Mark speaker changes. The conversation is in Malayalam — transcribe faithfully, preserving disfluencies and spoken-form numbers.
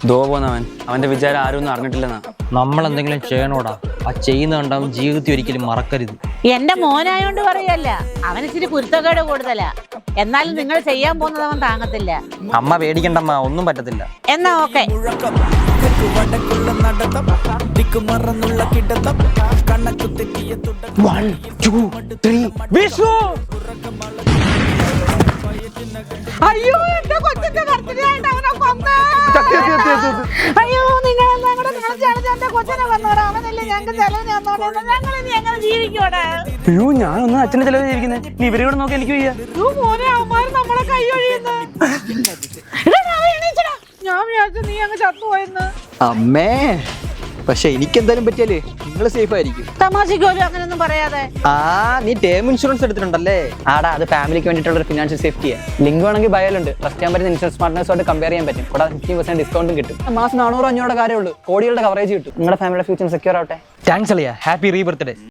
Speaker 1: ദോ പോന്നവൻ അവന്റെ വിചാരം ആരും ഒന്നും അറിഞ്ഞിട്ടില്ലെന്നാ.
Speaker 2: നമ്മൾ എന്തെങ്കിലും ചെയ്യണോടാ, ആ ചെയ്യുന്ന കണ്ടാവും ജീവിതത്തിൽ ഒരിക്കലും മറക്കരുത്.
Speaker 3: എന്റെ മോനായോണ്ട് പറയല്ല, അവന് ഇച്ചിരി കുരുത്തക്കേട് കൂടുതലാ. എന്നാലും നിങ്ങൾ ചെയ്യാൻ പോകുന്നത് അവൻ താങ്ങത്തില്ല.
Speaker 2: അമ്മ പേടിക്കണ്ടമ്മ, ഒന്നും പറ്റത്തില്ല.
Speaker 3: എന്നാ ഓക്കെ. അയ്യോ എന്റെ കൊച്ചിന്റെ ബർത്ത്ഡേ ആയിട്ട് അവനെ കൊന്നേ. അയ്യോ നിങ്ങൾ എല്ലാം കൂടെ കളിച്ചാണ് എന്റെ കൊച്ചിനെ കൊന്നോടാ. അവനല്ലേ ഞങ്ങൾക്ക് ചെലവിന് വന്നോട്ടെ. ഞങ്ങൾ ഇനി എങ്ങനെ ജീവിക്കോടെ?
Speaker 1: അയ്യോ ഞാനൊന്നും അച്ഛനെ ചെലവ് ചെയ്തിരിക്കുന്നത്. നീ ഇവരെ കൂടെ നോക്കി എനിക്ക് വയ്യ.
Speaker 3: മോനെ അവന്മാര് നമ്മളെ കൈ ഒഴിയുന്നു. ഞാൻ വിചാരിച്ചു നീ അങ്ങ് ചത്തുപോയെന്ന്.
Speaker 4: അമ്മേ, പക്ഷെ എനിക്ക് എന്തായാലും പറ്റിയാലേ നിങ്ങൾ സേഫ് ആയിരിക്കും.
Speaker 3: തമാശക്ക് പോലും അങ്ങനെയൊന്നും പറയാതെ.
Speaker 4: ആ നീ ടേം ഇൻഷുറൻസ് എടുത്തിട്ടുണ്ടല്ലേ?
Speaker 1: ആടാ, അത് ഫാമിലിക്ക് വേണ്ടിയിട്ടുള്ള ഒരു ഫിനാൻഷ്യൽ സേഫ്റ്റിയാ. ലിങ്ക് വേണമെങ്കിൽ ബയോലുണ്ട്. ട്രസ്റ്റ് ചെയ്യാൻ പറ്റുന്ന ഇൻഷുറൻസ് പാർട്ട്നേഴ്സുമായിട്ട് കമ്പയർ ചെയ്യാൻ പറ്റും. കൂടാതെ ഫിഫ്റ്റി പെർസെന്റ് ഡിസ്കൗണ്ടും കിട്ടും. മാസം നാനൂറ് അഞ്ഞൂറ് കാര്യമുള്ളൂ. കോടികളുടെ കവറേജ് കിട്ടും. നിങ്ങളുടെ ഫാമിലിയുടെ ഫ്യൂച്ചർ സെക്യൂർ ആവട്ടെ.
Speaker 2: താങ്ക്സ് അളിയ, ഹാപ്പി റീ ബർത്ത്ഡേ.